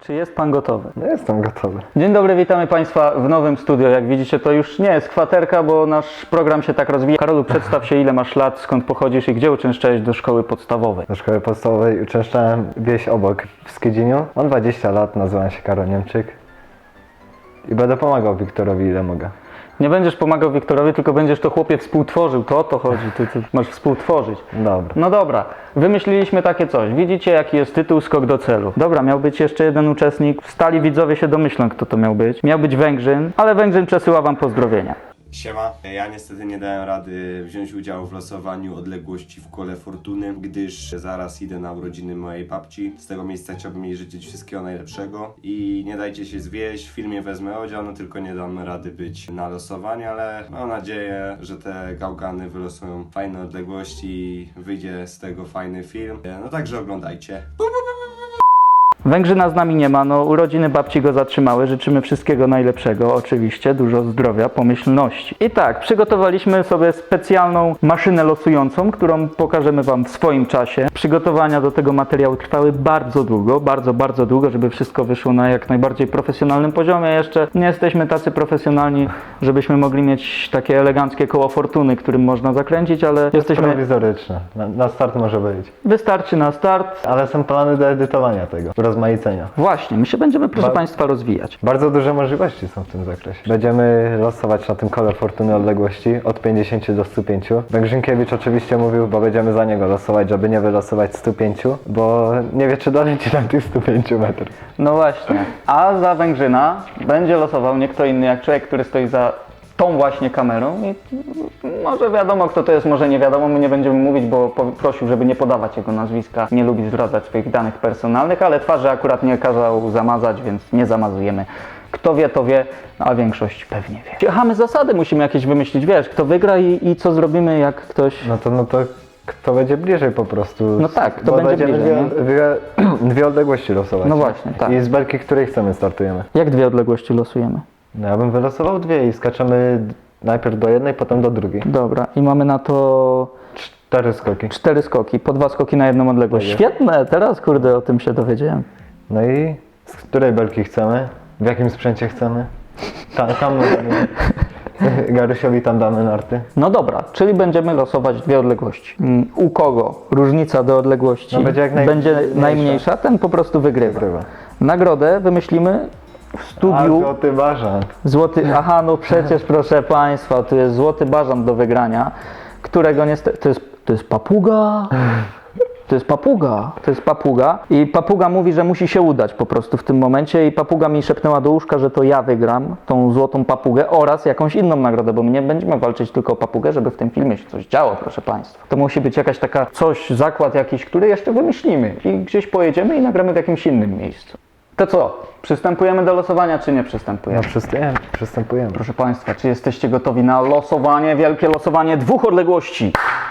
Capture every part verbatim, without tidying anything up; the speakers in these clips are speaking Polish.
Czy jest Pan gotowy? No jestem gotowy. Dzień dobry, witamy Państwa w nowym studio. Jak widzicie, to już nie jest kwaterka, bo nasz program się tak rozwija. Karolu, przedstaw się, ile masz lat, skąd pochodzisz i gdzie uczęszczałeś do szkoły podstawowej? Do szkoły podstawowej uczęszczałem wieś obok w Skydziniu. Mam dwadzieścia lat, nazywam się Karol Niemczyk. I będę pomagał Wiktorowi ile mogę. Nie będziesz pomagał Wiktorowi, tylko będziesz to chłopie współtworzył. To o to chodzi, ty, ty masz współtworzyć. Dobra. No dobra, wymyśliliśmy takie coś. Widzicie, jaki jest tytuł Skok do celu. Dobra, miał być jeszcze jeden uczestnik. Stali widzowie się domyślą, kto to miał być. Miał być Węgrzyn, ale Węgrzyn przesyła wam pozdrowienia. Siema. Ja niestety nie dałem rady wziąć udziału w losowaniu odległości w kole fortuny, gdyż zaraz idę na urodziny mojej babci. Z tego miejsca chciałbym jej życzyć wszystkiego najlepszego i nie dajcie się zwieść, w filmie wezmę udział, no tylko nie dam rady być na losowaniu, ale mam nadzieję, że te gałgany wylosują fajne odległości i wyjdzie z tego fajny film. No także oglądajcie. Węgrzyna z nami nie ma, no urodziny babci go zatrzymały, życzymy wszystkiego najlepszego, oczywiście, dużo zdrowia, pomyślności. I tak, przygotowaliśmy sobie specjalną maszynę losującą, którą pokażemy wam w swoim czasie. Przygotowania do tego materiału trwały bardzo długo, bardzo, bardzo długo, żeby wszystko wyszło na jak najbardziej profesjonalnym poziomie. Jeszcze nie jesteśmy tacy profesjonalni, żebyśmy mogli mieć takie eleganckie koło fortuny, którym można zakręcić, ale jesteśmy... Prowizoryczne. Na, na start może być. Wystarczy na start. Ale są plany do edytowania tego. Rozmaicenia. Właśnie, my się będziemy, proszę Ba- Państwa, rozwijać. Bardzo duże możliwości są w tym zakresie. Będziemy losować na tym kole fortuny odległości od pięćdziesięciu do stu pięciu. Węgrzynkiewicz oczywiście mówił, bo będziemy za niego losować, żeby nie wylosować stu pięciu, bo nie wie, czy doleci tam tych stu pięciu metrów. No właśnie. A za Węgrzyna będzie losował nie kto inny jak człowiek, który stoi za tą właśnie kamerą i może wiadomo kto to jest, może nie wiadomo, my nie będziemy mówić, bo po- prosił, żeby nie podawać jego nazwiska, nie lubi zdradzać swoich danych personalnych, ale twarzy akurat nie kazał zamazać, więc nie zamazujemy. Kto wie, to wie, a większość pewnie wie. Aha, my zasady musimy jakieś wymyślić, wiesz, kto wygra i, i co zrobimy, jak ktoś... No to, no to kto będzie bliżej po prostu. No tak, kto bo będzie będziemy bliżej, Dwie, dwie, dwie odległości losować. No właśnie, tak. I z belki, której chcemy, startujemy. Jak dwie odległości losujemy? No ja bym wylosował dwie i skaczemy najpierw do jednej, potem do drugiej. Dobra, i mamy na to Cztery skoki. cztery skoki, po dwa skoki na jedną odległość. Tak jest. Świetne, teraz kurde o tym się dowiedziałem. No i z której belki chcemy? W jakim sprzęcie chcemy? Tam, tam Garysiowi tam damy narty. No dobra, czyli będziemy losować dwie odległości. Mm, U kogo różnica do odległości No będzie jak naj- będzie mniejsza. najmniejsza, ten po prostu wygrywa. Wygrywa. Nagrodę wymyślimy w A, studiu. złoty bażant. Złoty, aha, no przecież proszę Państwa, tu jest złoty bażant do wygrania, którego niestety, to jest, to jest papuga. To jest papuga, to jest papuga i papuga mówi, że musi się udać po prostu w tym momencie i papuga mi szepnęła do łóżka, że to ja wygram tą złotą papugę oraz jakąś inną nagrodę, bo my nie będziemy walczyć tylko o papugę, żeby w tym filmie się coś działo, proszę Państwa. To musi być jakaś taka coś, zakład jakiś, który jeszcze wymyślimy i gdzieś pojedziemy i nagramy w jakimś innym miejscu. To co, przystępujemy do losowania czy nie No przystępujemy? przystępujemy, przystępujemy. Proszę Państwa, czy jesteście gotowi na losowanie, wielkie losowanie dwóch odległości?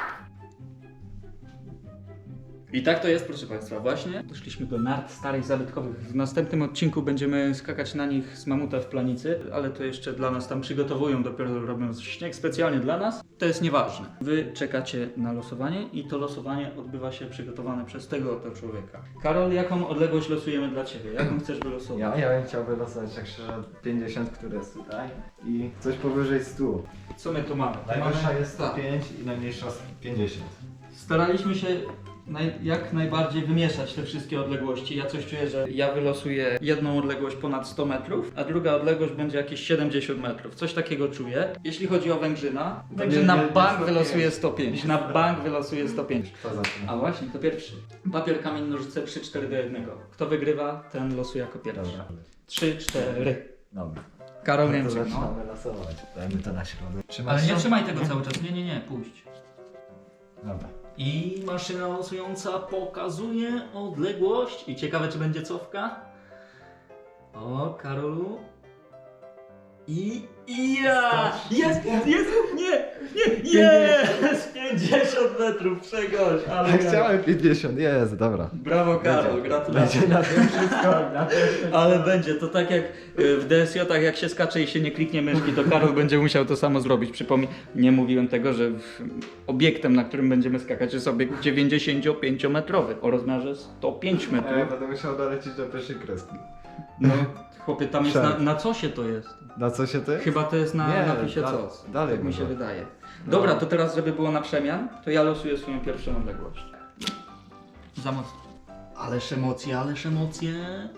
I tak to jest, proszę Państwa, właśnie doszliśmy do nart starych, zabytkowych. W następnym odcinku będziemy skakać na nich z mamuta w planicy, ale to jeszcze dla nas tam przygotowują, dopiero robią śnieg specjalnie dla nas. To jest nieważne. Wy czekacie na losowanie i to losowanie odbywa się przygotowane przez tego oto człowieka. Karol, jaką odległość losujemy dla Ciebie? Jaką chcesz wylosować? Ja, ja bym chciał wylosować tak szczerze pięćdziesiąt, które jest tutaj i coś powyżej stu. Co my tu mamy? Najwyższa Mamy- jest tak. pięć i najmniejsza pięćdziesiąt. Staraliśmy się naj, jak najbardziej wymieszać te wszystkie odległości. Ja coś czuję, że ja wylosuję jedną odległość ponad sto metrów, a druga odległość będzie jakieś siedemdziesiąt metrów. Coś takiego czuję. Jeśli chodzi o Węgrzyna, Węgrzyn na nie- nie bank sto pięć. wylosuje sto pięć. Na bank wylosuje sto pięć. Kto zaczyna? A właśnie, to pierwszy. Papier, kamień, nożyce, trzy cztery do jednego. Kto wygrywa, ten losuje jako pierwszy. Dobra. trzy cztery. Dobra. Karol To Niemczyk, no. zaczynamy losować. Dajmy to na środek. Trzymasz Ale nie się? trzymaj tego cały czas. Nie, nie, nie, puść. Dobra. I maszyna losująca pokazuje odległość. I ciekawe, czy będzie cofka. O, Karolu. I... i ja! Jest, jest, nie, nie, jest! pięćdziesiąt metrów, przegoś, ale... Ja chciałem pięćdziesiąt, jest, dobra. Brawo, Karol, gratulacje. Będzie na tym wszystko. Na tym wszystko. Ale będzie, to tak jak y, w D S J-ach, jak się skacze i się nie kliknie myszki, to Karol będzie musiał to samo zrobić. Przypomnij, nie mówiłem tego, że w, obiektem, na którym będziemy skakać, jest obiekt dziewięćdziesięciopięciometrowy o rozmiarze sto pięć metrów. Ja będę musiał dolecieć do pierwszej kreski. No, chłopie, tam jest na, Przed. na cosie to jest. Na co się ty? Chyba to jest na Nie, napisie da- cos. dalej tak mi się może. wydaje. Dobra, to teraz, żeby było na przemian, to ja losuję swoją pierwszą odległość. Za mocno. Ależ emocje, ależ emocje.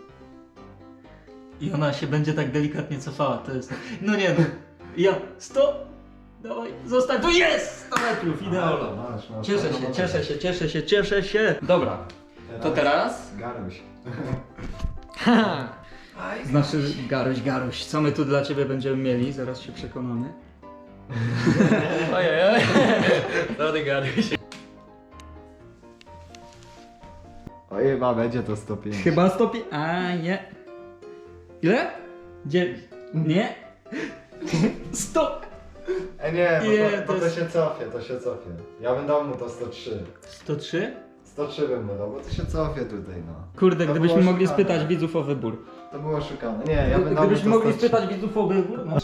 I ona się będzie tak delikatnie cofała, to jest... No nie no. Ja, sto! Dawaj, zostań, tu jest! sto metrów, idealnie. Masz, masz, Cieszę masz, się, masz. cieszę się, cieszę się, cieszę się. Dobra, to teraz... Garuś. Znaczy, Garuś, Garuś, co my tu dla Ciebie będziemy mieli? Zaraz się przekonamy. Ojej, ojej. Dobry Garuś. O chyba będzie to sto pięć. Chyba sto pięć... A, nie. Ile? dziewięć. Nie? sto! E nie, bo, Nie, to, to bo to jest- się cofie, to się cofie. Ja bym dał mu to sto trzy. sto trzy? sto trzy bym mu dał, bo to się cofie tutaj, no. Kurde, To gdybyśmy było mogli szukane. spytać widzów o wybór. To było szukane. Nie, ja bym dał mu Gdybyśmy to mogli sto trzy. spytać widzów o wybór, no.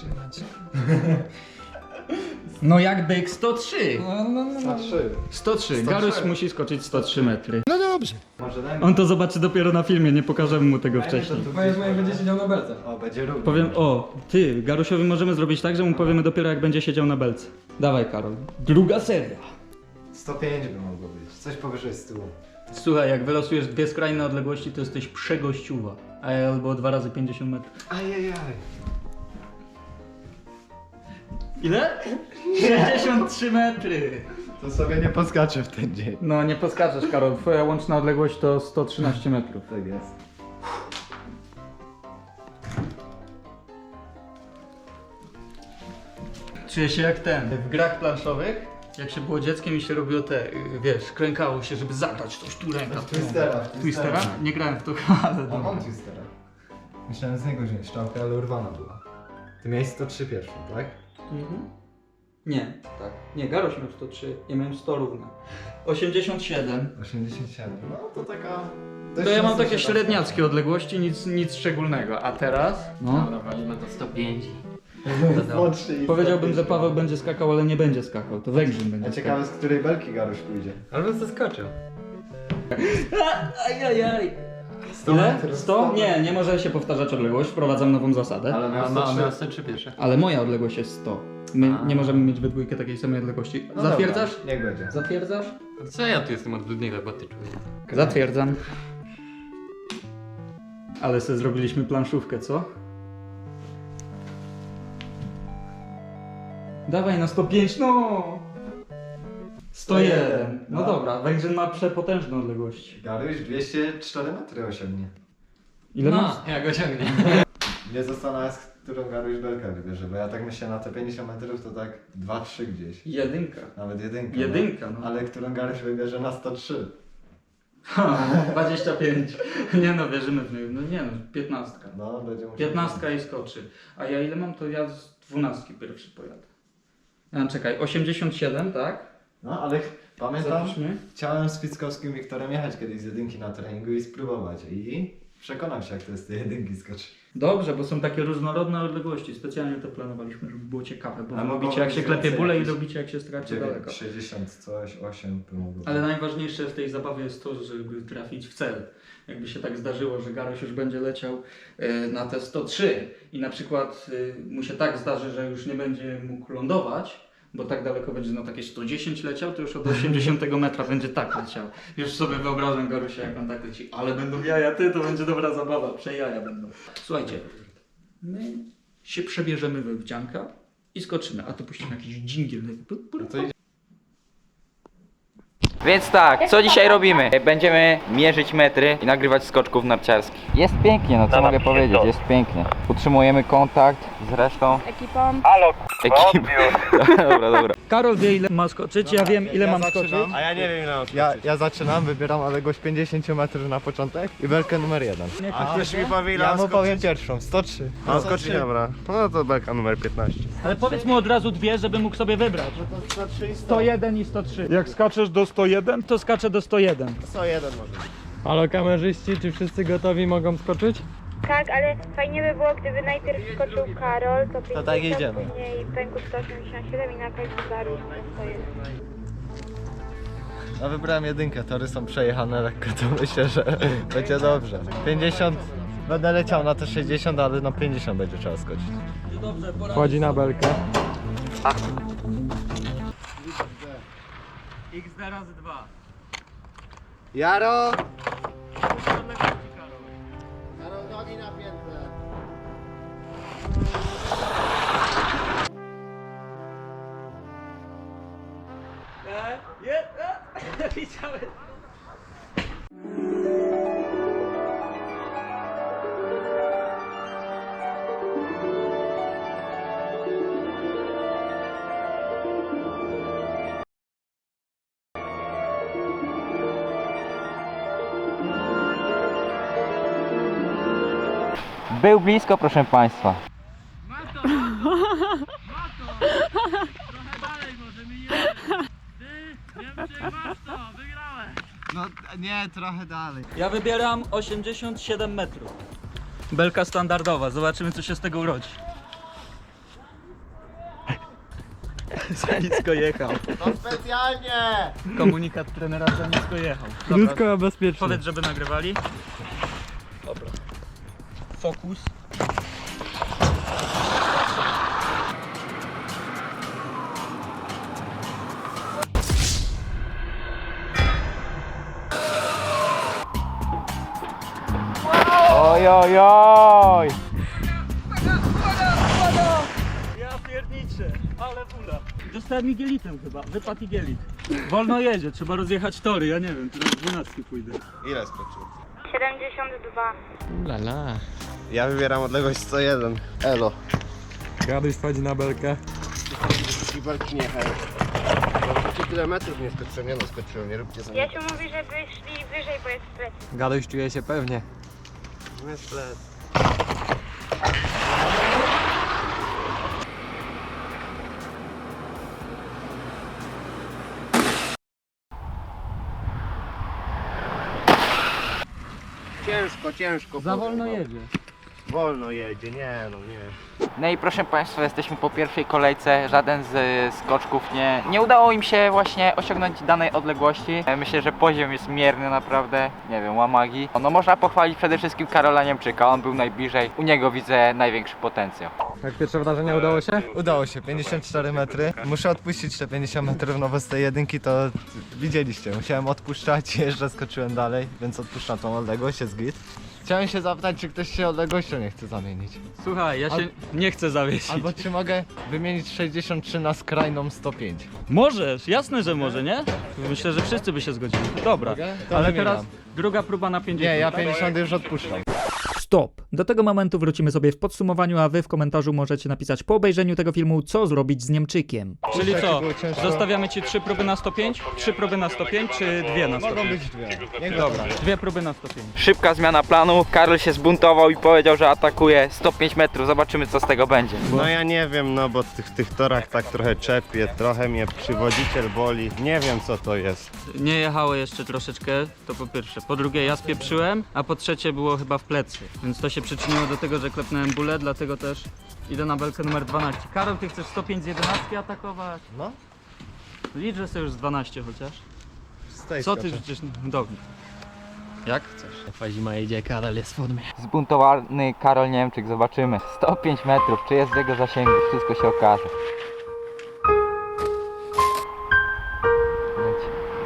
No jak byk sto trzy. sto trzy. sto trzy. sto trzy. Garuś musi skoczyć sto trzy metry. Może daj mi... On to zobaczy dopiero na filmie, nie pokażemy mu tego wcześniej. Powiedz mu, jak będzie siedział na belce. O, będzie równo. Powiem, o, ty, Garusiowi możemy zrobić tak, że mu powiemy dopiero jak będzie siedział na belce. Dawaj, Karol. Druga seria. sto pięć by mogło być. Coś powyżej stu. Słuchaj, jak wylosujesz dwie skrajne odległości, to jesteś przegościuwa. A ja albo dwa razy pięćdziesiąt metrów. Ajajaj. Ile? sześćdziesiąt trzy metry. To sobie nie poskaczę w ten dzień. No nie podskaczesz, Karol. Twoja łączna odległość to sto trzynaście metrów. Tak jest. Czuję się jak ten. W grach planszowych, jak się było dzieckiem i się robiło te, y, wiesz, krękało się, żeby zagrać coś tu ręka. tu Twistera, ręka. Twistera. Twistera? Nie grałem w to, ale A dobra. mam twistera. Myślałem z niego wziąć szczałkę, ale urwana była. Ty miałeś sto trzy pierwszą, tak? Mhm. Nie, tak. Nie, Garoś miał sto trzy, ja miałem sto równe. osiemdziesiąt siedem. osiemdziesiąt siedem. No to taka... To ja mam takie średniackie odległości, nic, nic szczególnego. A teraz? No. Dobra, walimy to sto pięć. Powiedziałbym, że Paweł będzie skakał, ale nie będzie skakał. To Węgrzyn będzie A ciekawe, z której belki Garuś pójdzie. Albo zaskoczył. Ajajaj. sto Ile? metrów, sto? Nie, nie może się powtarzać odległość. Wprowadzam nową zasadę. Ale miał A sto ma, trzy. miał sto trzy pierwsze. Ale moja odległość jest sto. My A. nie możemy mieć we dwójkę takiej samej odległości. No Zatwierdzasz? Dobra, niech będzie. Zatwierdzasz? Co ja tu jestem od Ludniego, bo ty czujesz. Zatwierdzam. Ale sobie zrobiliśmy planszówkę, co? Dawaj na sto pięć, no! sto jeden. No No. dobra, Węgrzyn ma przepotężne odległości. Garuś dwieście cztery metry osiągnie. Ile masz? No, ja go ciągnie. Nie zastanawia, z którą Garuś belkę wybierze, bo ja tak myślę na te pięćdziesiąt metrów to tak dwa trzy gdzieś. Jedynka. Nawet jedynka. Jedynka, no. Ale którą Garuś wybierze na sto trzy. Ha, dwadzieścia pięć. Nie no, wierzymy w niego. No nie no, piętnastka. No, będzie musiał... Piętnastka i skoczy. A ja ile mam, to ja z dwunastki pierwszy pojadę. Ja, czekaj, osiemdziesiąt siedem, tak? No, ale pamiętam, Zapiszmy. chciałem z Fickowskim Wiktorem jechać kiedyś z jedynki na treningu i spróbować. I przekonam się, jak to jest z tej jedynki skoczyć. Dobrze, bo są takie różnorodne odległości. Specjalnie to planowaliśmy, żeby było ciekawe, bo A wy mogą lubicie jak być się klepie więcej bóle i jakieś- lubicie jak się straci daleko. sześćdziesiąt coś, osiem by mogło Ale być. najważniejsze w tej zabawie jest to, żeby trafić w cel. Jakby się tak zdarzyło, że Garoś już będzie leciał e, na te sto trzy i na przykład e, mu się tak zdarzy, że już nie będzie mógł lądować, bo tak daleko będzie na takie sto dziesięć leciał, to już od osiemdziesiątego metra będzie tak leciał. Już sobie wyobrażam Garusia, jak on tak leci. Ale będą jaja, ty, to będzie dobra zabawa, przejaja będą. Słuchajcie, my się przebierzemy we wdzianka i skoczymy, a tu puścimy jakiś dżingiel. Więc tak, co dzisiaj robimy? Będziemy mierzyć metry i nagrywać skoczków narciarskich. Jest pięknie, no co mogę powiedzieć, jest pięknie. Utrzymujemy kontakt z resztą ekipą. ekipy. Dobra, dobra. Karol wie, ile ma skoczyć, ja wiem, ile ja mam zaczynam. skoczyć. A ja nie wiem ile mam ja, ja zaczynam, wybieram odległość pięćdziesiąt metrów na początek i belkę numer jeden. A ktoś mi powie ile Ja mam mu powiem skoczyć? pierwszą, sto trzy. A skoczyć, dobra. No to belka numer piętnaście. Ale powiedz mu od razu dwie, żeby mógł sobie wybrać. sto jeden i sto trzy. Jak skaczesz do sto jeden? To skacze do sto jeden. sto jeden może. Halo kamerzyści, czy wszyscy gotowi mogą skoczyć? Tak, ale fajnie by było, gdyby najpierw skoczył Karol, to pięćdziesiąt, tak idziemy. później Pęku sto osiemdziesiąt siedem i na końcu Garuś sto jeden. No wybrałem jedynkę, tory są przejechane lekko, to myślę, że będzie dobrze. pięćdziesiąt, Będę leciał na te sześćdziesiąt, ale na pięćdziesiąt będzie trzeba skoczyć. Wchodzi na belkę. Jaro! Jaro, nogi napięte. Był blisko, proszę państwa. No nie, trochę dalej. Ja wybieram osiemdziesiąt siedem metrów. Belka standardowa, zobaczymy co się z tego urodzi. Za nisko jechał. To specjalnie! Komunikat trenera za nisko jechał. Krótko, a bezpiecznie. Powiedz, żeby nagrywali. Dobra. Fokus. Oj, oj, oj. Ja pierniczę, ale bula. Dostałem igelitem chyba, wypadł igelit. Wolno jedzie, trzeba rozjechać tory, ja nie wiem, teraz dwunastki pójdę. Ile skoczył? siedemdziesiąt dwa. Lala. Ja wybieram odległość sto jeden. Elo. Gaduś wchodzi na belkę. I walki nie jechałem. Bo tyle metrów nie skoczyłem, nie no skoczyłem, nie róbcie za mnie. Jasiu mówi, żeby szli wyżej, bo jest plecy. Gaduś czuje się pewnie. Jest led. Ciężko, ciężko. Za wolno powiem wam. jedzie. Wolno jedzie, nie no nie. No i proszę państwa, jesteśmy po pierwszej kolejce. Żaden z y, skoczków nie, nie udało im się właśnie osiągnąć danej odległości. E, Myślę, że poziom jest mierny naprawdę. Nie wiem, łamagi. No można pochwalić przede wszystkim Karola Niemczyka. On był najbliżej. U niego widzę największy potencjał. Jak pierwsze wrażenie udało się? Udało się, pięćdziesiąt cztery metry. Muszę odpuścić te pięćdziesiąt metrów, no bo z tej jedynki to widzieliście. Musiałem odpuszczać, jeszcze skoczyłem dalej, więc odpuszczam tą odległość, jest git. Chciałem się zapytać, czy ktoś się odległością nie chce zamienić. Słuchaj, ja się Al- nie chcę zawiesić. Albo czy mogę wymienić sześćdziesiąt trzy na skrajną sto pięć? Możesz, jasne, że może, nie? Myślę, że wszyscy by się zgodzili. Dobra, Mogę? To ale wymieniam. teraz druga próba na pięćdziesiąt. Nie, ja tak? pięćdziesiąt już odpuszczam. Stop! Do tego momentu wrócimy sobie w podsumowaniu, a wy w komentarzu możecie napisać po obejrzeniu tego filmu, co zrobić z Niemczykiem. Czyli Jaki co? było ciężko? Zostawiamy ci trzy próby na sto pięć? Trzy próby na sto pięć czy dwie na sto Mogą pięć? być dwie. Niech Dobra, będzie. dwie próby na sto pięć. Szybka zmiana planu. Karol się zbuntował i powiedział, że atakuje sto pięć metrów. Zobaczymy, co z tego będzie. No ja nie wiem, no bo w tych, tych torach tak trochę czepie, trochę mnie przywodziciel boli. Nie wiem co to jest. Nie jechało jeszcze troszeczkę, to po pierwsze. Po drugie ja spieprzyłem, a po trzecie było chyba w plecy. Więc to się przyczyniło do tego, że klepnąłem bólę, dlatego też idę na belkę numer dwanaście. Karol, ty chcesz sto pięć z jedenastki atakować? No. Licz, że sobie już z dwanaście chociaż. Z tej Co ty skoczę. przecież... Dobra. Jak chcesz? Zima idzie, Karol jest w formie. Zbuntowany Karol Niemczyk, zobaczymy. sto pięć metrów, czy jest w jego zasięgu, wszystko się okaże. Leci.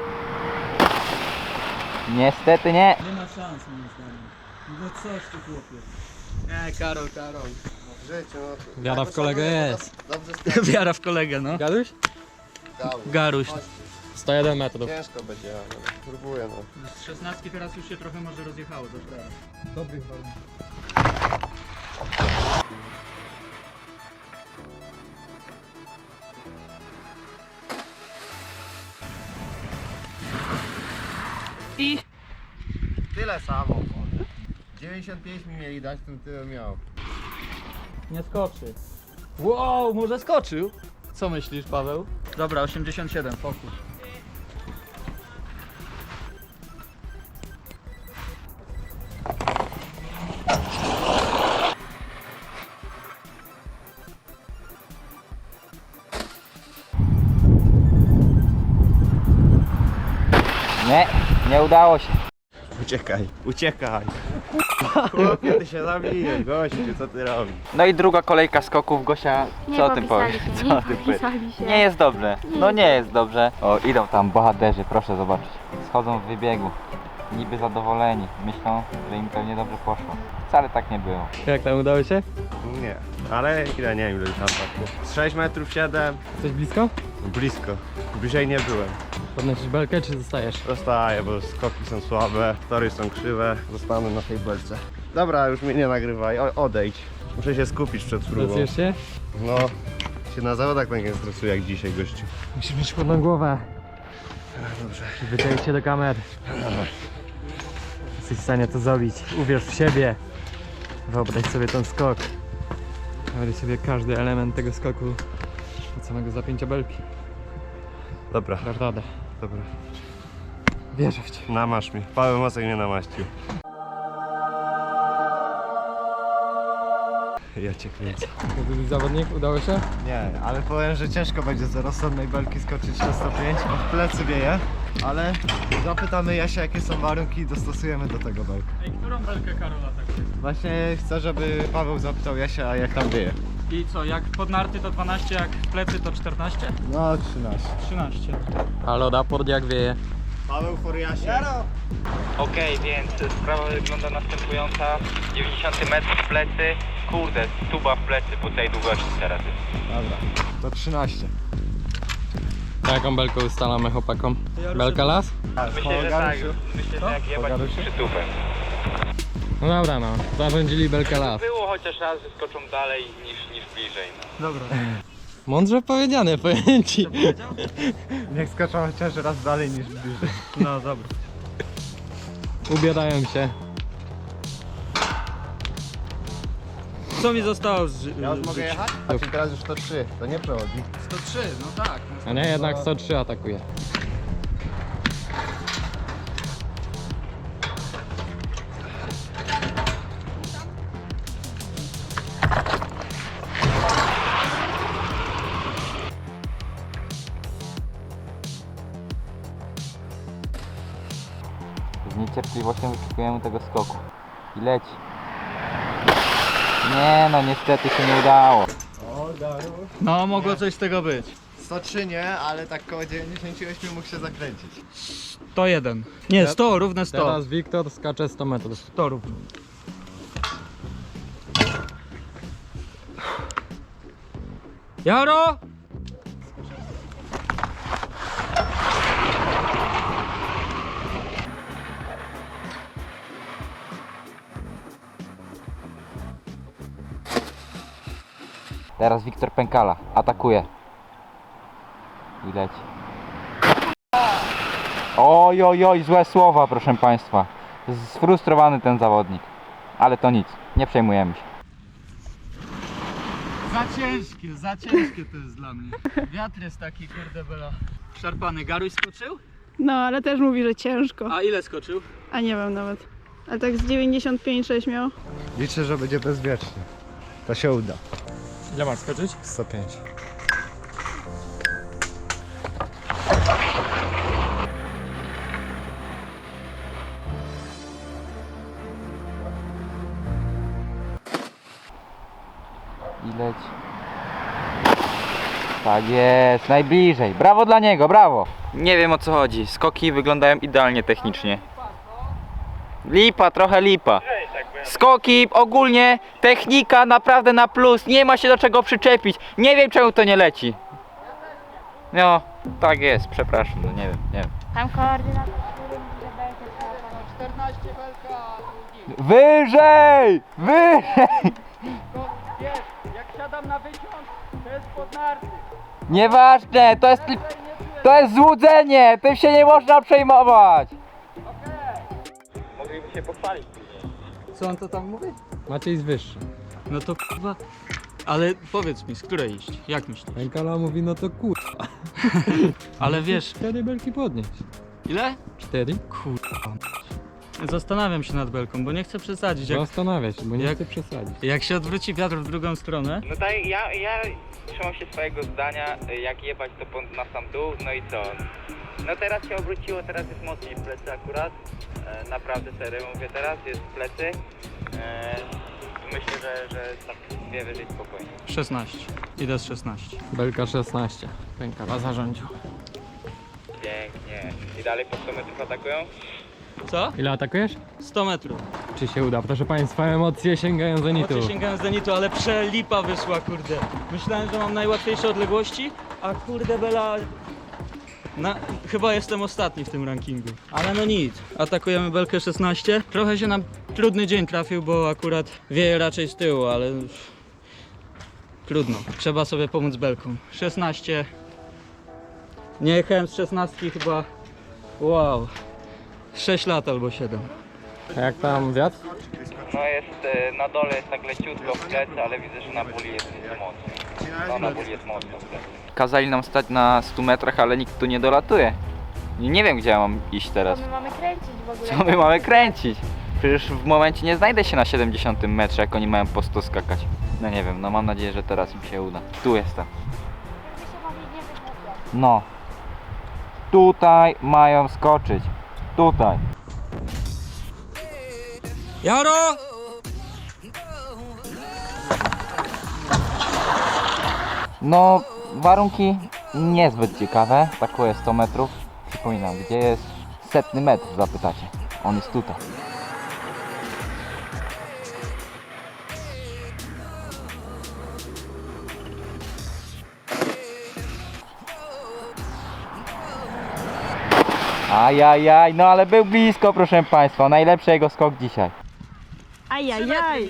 Niestety nie. Nie ma szans moim zdaniem. No coś ty chłopie. Nie, Karol, Karol. Życie, no. Wiara w kolegę jest. Dobrze Wiara w kolegę, no. Gaduś? stało. Garuś. sto jeden metrów. Ciężko będzie, ale próbuję no. Z szesnastki teraz już się trochę może rozjechało, to prawda. Dobrych warunków. Tyle samo. dziewięćdziesiąt pięć mi mieli dać, ten tyle miał. Nie skoczy. Wow, może skoczył? Co myślisz, Paweł? Dobra, osiemdziesiąt siedem, fokus. Nie, nie udało się. Uciekaj, uciekaj. Chłopie, ty się zabijesz, gościu, co ty robisz? No i druga kolejka skoków. Gosia, Nie, co o tym popisali powiesz? się, Co nie o tym powiesz? popisali się. Nie jest dobrze. No nie jest dobrze. O, idą tam bohaterzy, proszę zobaczyć. Schodzą w wybiegu. Niby zadowoleni. Myślą, że im pewnie dobrze poszło. Wcale tak nie było. Jak tam udało się? Nie, ale ile, nie wiem ile tam tak. Z sześć metrów siedem, Jesteś blisko? blisko. Bliżej nie byłem. Podnosisz belkę czy zostajesz? Zostaję, bo skoki są słabe, tory są krzywe. Zostanę na tej belce. Dobra, już mnie nie nagrywaj, o, odejdź. Muszę się skupić przed próbą. Stresujesz się? No, się na zawodach tak nie stresuję jak dzisiaj, gościu. Musisz mieć chłodną głowę. Dobrze. Wyciągnij się do kamery. Jesteś w stanie to zrobić. Uwierz w siebie. Wyobraź sobie ten skok. Wyobraź sobie każdy element tego skoku od samego zapięcia belki. Dobra, Dasz radę. dobra. Wierzę w ciebie. Namasz mnie. Paweł Mosek mnie namaścił. Ja cię kręcę. Drugi zawodnik, udało się? Nie, ale powiem, że ciężko będzie z rozsądnej belki skoczyć na sto pięć. W plecy wieje, ale zapytamy Jasia, jakie są warunki i dostosujemy do tego belkę. Ej, którą belkę Karola tak jest? Właśnie chcę, żeby Paweł zapytał Jasia, jak tam wieje. I co, jak pod narty to dwanaście, jak w plecy to czternaście? No, trzynaście. trzynaście. Halo, raport jak wieje. Paweł Foriasie. Okej, więc sprawa wygląda następująca. dziewięćdziesiąt metrów w plecy. Kurde, tuba w plecy po tej długości teraz jest. Dobra, to trzynaście. Jaką belkę ustalamy chłopakom? Belka las? Myślę, że tak. Myślę, że jak jebać przytupem. No dobra no, zarządzili belkę las. Było chociaż raz, że skoczą dalej niż, niż bliżej. No. Mądrze powiedziane, powiem ci. Niech skoczą chociaż raz dalej niż bliżej. No dobra. Ubierają się. Co mi zostało z Ja już mogę jechać? Znaczy teraz już to trzy, to nie przechodzi. sto trzy, no tak. A nie, jednak sto trzy atakuje. Z niecierpliwością wyczekujemy tego skoku. I leci. Nie no, niestety się nie udało. No, mogło coś z tego być. sto trzy nie, ale tak koło dziewięćdziesiąt osiem mógł się zakręcić. sto jeden. Nie, sto, równe sto. Teraz Wiktor skacze sto metrów. sto równe. Jaro! Teraz Wiktor Pękala atakuje. I leci. Oj, oj, oj, złe słowa, proszę Państwa. Sfrustrowany ten zawodnik. Ale to nic, nie przejmujemy się. Za ciężkie, za ciężkie to jest dla mnie. Wiatr jest taki, kurde bela. Szarpany. Garuś skoczył? No, ale też mówi, że ciężko. A ile skoczył? A nie wiem nawet. Ale tak z dziewięćdziesiąt pięć sześć miał. Liczę, że będzie bezpiecznie. To się uda. Ile masz skoczyć? sto pięć. I leci. Tak jest, najbliżej. Brawo dla niego, brawo. Nie wiem o co chodzi. Skoki wyglądają idealnie technicznie. Lipa, trochę lipa. Skoki, ogólnie technika naprawdę na plus. Nie ma się do czego przyczepić. Nie wiem czemu to nie leci. No, tak jest, przepraszam, no nie wiem, nie wiem. Tam koordynator, który mówi, że belkę trzeba panować. Wyżej! Wyżej! Jak siadam na wyciąg, to jest pod narty. Nieważne, to jest, to jest złudzenie, tym się nie można przejmować. Mogliby się pochwalić. Co on to tam mówi? Maciej jest wyższy. No to kurwa. Ale powiedz mi, z której iść? Jak myślisz? Pękala mówi, no to kur... Ale wiesz, Cztery belki podnieść. ile? Cztery? Kurwa. Zastanawiam się nad belką, bo nie chcę przesadzić. Jak, Zastanawia się, bo nie jak- chcę przesadzić. jak się odwróci wiatr w drugą stronę, No tak, ja, ja trzymam się swojego zdania, jak jebać to po- na sam dół, no i co? No teraz się obróciło, teraz jest mocniej w plecy akurat. E, naprawdę serio mówię teraz, jest w plecy. E, myślę, że, że tak dwie wyżej spokojnie. szesnaście. Idę z szesnaście. Belka szesnaście. Pękala zarządził. Pięknie. I dalej po sto metrów atakują? Co? Ile atakujesz? sto metrów. Czy się uda? Proszę Państwa, emocje sięgają zenitu. Emocje sięgają zenitu, ale przelipa wyszła, kurde. Myślałem, że mam najłatwiejsze odległości, a kurde bela... Na, chyba jestem ostatni w tym rankingu. Ale no nic, atakujemy belkę szesnaście. Trochę się nam trudny dzień trafił, bo akurat wieje raczej z tyłu, ale... Trudno, trzeba sobie pomóc belką. szesnaście. Nie jechałem z szesnastki chyba... Wow. sześć lat albo siedem. A jak tam wiatr? No jest, e, na dole jest tak leciutko w plecy, ale widzę, że na buli jest mocno. No na buli jest mocno w plecy. Kazali nam stać na stu metrach, ale nikt tu nie dolatuje. Nie wiem, gdzie ja mam iść teraz. Co my mamy kręcić w ogóle? Co my mamy kręcić? Przecież w momencie nie znajdę się na siedemdziesiątym metrze, jak oni mają po sto skakać. No nie wiem, no mam nadzieję, że teraz im się uda. Tu jestem. My się wam nie wygłupiać. No. Tutaj mają skoczyć. Tutaj. Jaro! No, warunki niezbyt ciekawe. Takuje sto metrów. Przypominam, gdzie jest setny metr, zapytacie. On jest tutaj. Ajajaj, no ale był blisko, proszę Państwa. Najlepszy jego skok dzisiaj. Ajajaj.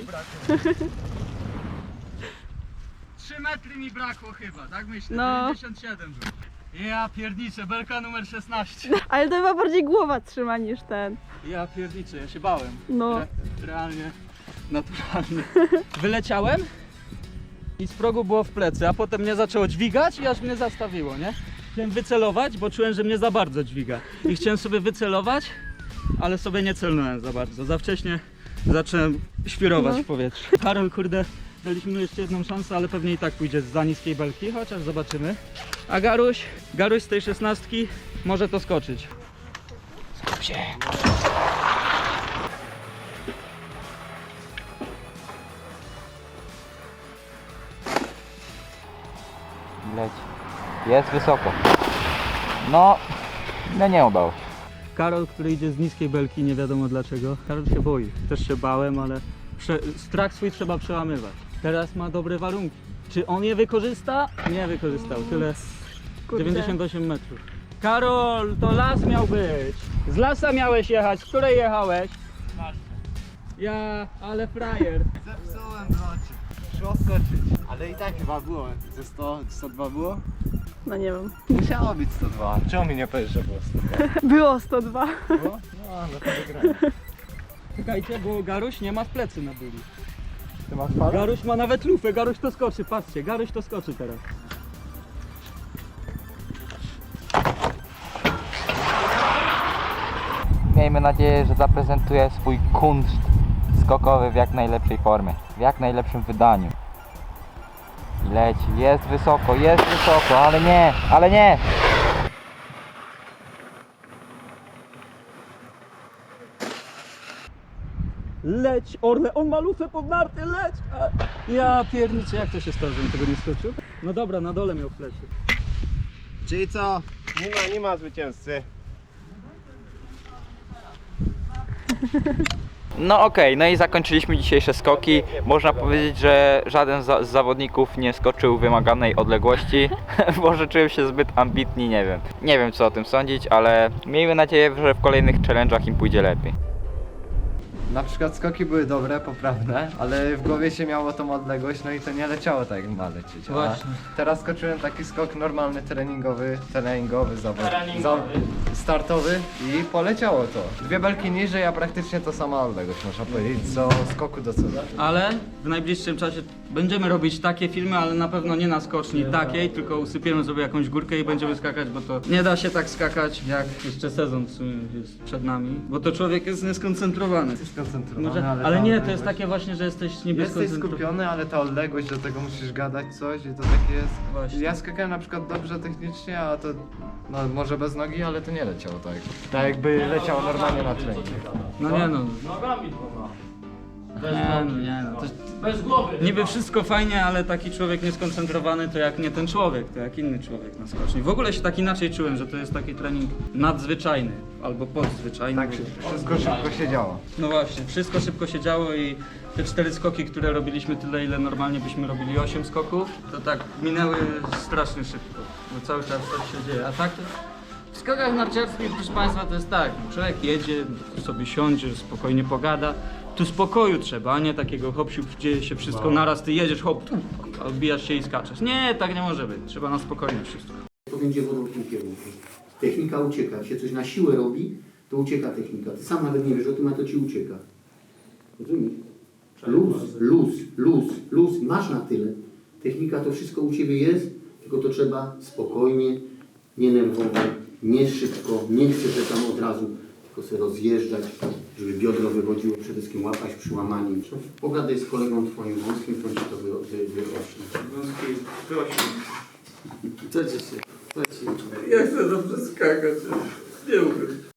trzy metry mi brakło chyba, tak myślę? No. dziewięćdziesiąt siedem był. Ja pierniczę, belka numer szesnaście. Ale to chyba bardziej głowa trzyma niż ten. Ja pierniczę, ja się bałem. No. Re realnie, naturalnie. Wyleciałem i z progu było w plecy, a potem mnie zaczęło dźwigać i aż mnie zastawiło, nie? Chciałem wycelować, bo czułem, że mnie za bardzo dźwiga. I chciałem sobie wycelować, ale sobie nie celnąłem za bardzo. Za wcześnie zacząłem świrować No. w powietrzu. Karol, kurde, daliśmy mu jeszcze jedną szansę, ale pewnie i tak pójdzie za niskiej belki, chociaż zobaczymy. A Garuś, Garuś z tej szesnastki może to skoczyć. Skup się. Leci. Jest wysoko. No, no nie udało się. Karol, który idzie z niskiej belki, nie wiadomo dlaczego. Karol się boi. Też się bałem, ale prze... strach swój trzeba przełamywać. Teraz ma dobre warunki. Czy on je wykorzysta? Nie wykorzystał. Tyle. Kurde. dziewięćdziesiąt osiem metrów. Karol, to las miał być. Z lasa miałeś jechać. Z której jechałeś? Ja, ale frajer. Zepsułem brocie. Szło skoczyć. Ale i tak chyba było. Ze sto, sto dwa było? No nie wiem. Musiało być sto dwa. Czemu mi nie powiesz, że było sto dwa? Było sto dwa. Było? No, no to wygrałem. Czekajcie, bo Garuś nie ma w plecy na byli. Ty masz falę? Garuś ma nawet lufę, Garuś to skoczy, patrzcie, Garuś to skoczy teraz. Miejmy nadzieję, że zaprezentuje swój kunszt skokowy w jak najlepszej formie, w jak najlepszym wydaniu. I leci, jest wysoko, jest wysoko, ale nie, ale nie! Leć, Orle, on ma lufę pod narty, leć! A, ja pierniczę, jak to się stało, żebym tego nie skoczył? No dobra, na dole miał w plecy. Czyli co? Nie ma, nie ma zwycięzcy. No okej, no i zakończyliśmy dzisiejsze skoki. Można powiedzieć, że żaden za z zawodników nie skoczył wymaganej odległości. Może czują się zbyt ambitni, nie wiem. Nie wiem co o tym sądzić, ale miejmy nadzieję, że w kolejnych challenge'ach im pójdzie lepiej. Na przykład skoki były dobre, poprawne, ale w głowie się miało tą odległość, no i to nie leciało tak jak ma lecieć. A Właśnie. teraz skoczyłem taki skok normalny, treningowy, treningowy, zawod, za, startowy i poleciało to. Dwie belki niżej, a praktycznie to sama odległość, można powiedzieć, co skoku do cudu. Ale w najbliższym czasie będziemy robić takie filmy, ale na pewno nie na skoczni takiej, tylko usypiemy sobie jakąś górkę i będziemy skakać, bo to nie da się tak skakać, jak jeszcze sezon w sumie jest przed nami, bo to człowiek jest nieskoncentrowany. skoncentrowany, Może, ale, ale ta nie, to odległość- jest takie właśnie, że jesteś niby Jesteś skoncentrowany. skupiony, ale ta odległość, do tego musisz gadać coś i to takie jest... Właśnie. Ja skakałem na przykład dobrze technicznie, a to no może bez nogi, ale to nie leciało tak. Tak jakby leciało normalnie na treningu. No nie no. Nie no, nie no. To bez głowy. Niby wszystko fajnie, ale taki człowiek nieskoncentrowany to jak nie ten człowiek, to jak inny człowiek na skoczni. W ogóle się tak inaczej czułem, że to jest taki trening nadzwyczajny albo podzwyczajny. Tak, wszystko szybko się działo. No właśnie, wszystko szybko się działo i te cztery skoki, które robiliśmy tyle, ile normalnie byśmy robili osiem skoków, to tak minęły strasznie szybko, bo cały czas coś się dzieje. A tak to w skokach narciarskich, proszę Państwa, to jest tak, człowiek jedzie, sobie siądzie, spokojnie pogada. Tu spokoju trzeba, a nie takiego hop siup, dzieje się wszystko naraz, ty jedziesz, hop, tu, a odbijasz się i skaczesz. Nie, tak nie może być, trzeba na spokojnie wszystko. To będzie wodą w tym kierunku. Technika ucieka. Jak się coś na siłę robi, to ucieka technika. Ty sam nawet nie wiesz o tym, a to ci ucieka. Rozumiesz? Luz, luz, luz, luz. Masz na tyle. Technika to wszystko u ciebie jest, tylko to trzeba spokojnie, nie nerwowo, nie szybko, nie chcę, że tam od razu, tylko sobie rozjeżdżać, żeby biodro wychodziło, przede wszystkim łapać przy łamaniu. Pogadaj z kolegą twoim wąskim, to ci to wy, wy, wyośnie. Wąski, wyośnie. Co ci się? Co ci się? Ja chcę dobrze skakać, nie umiem.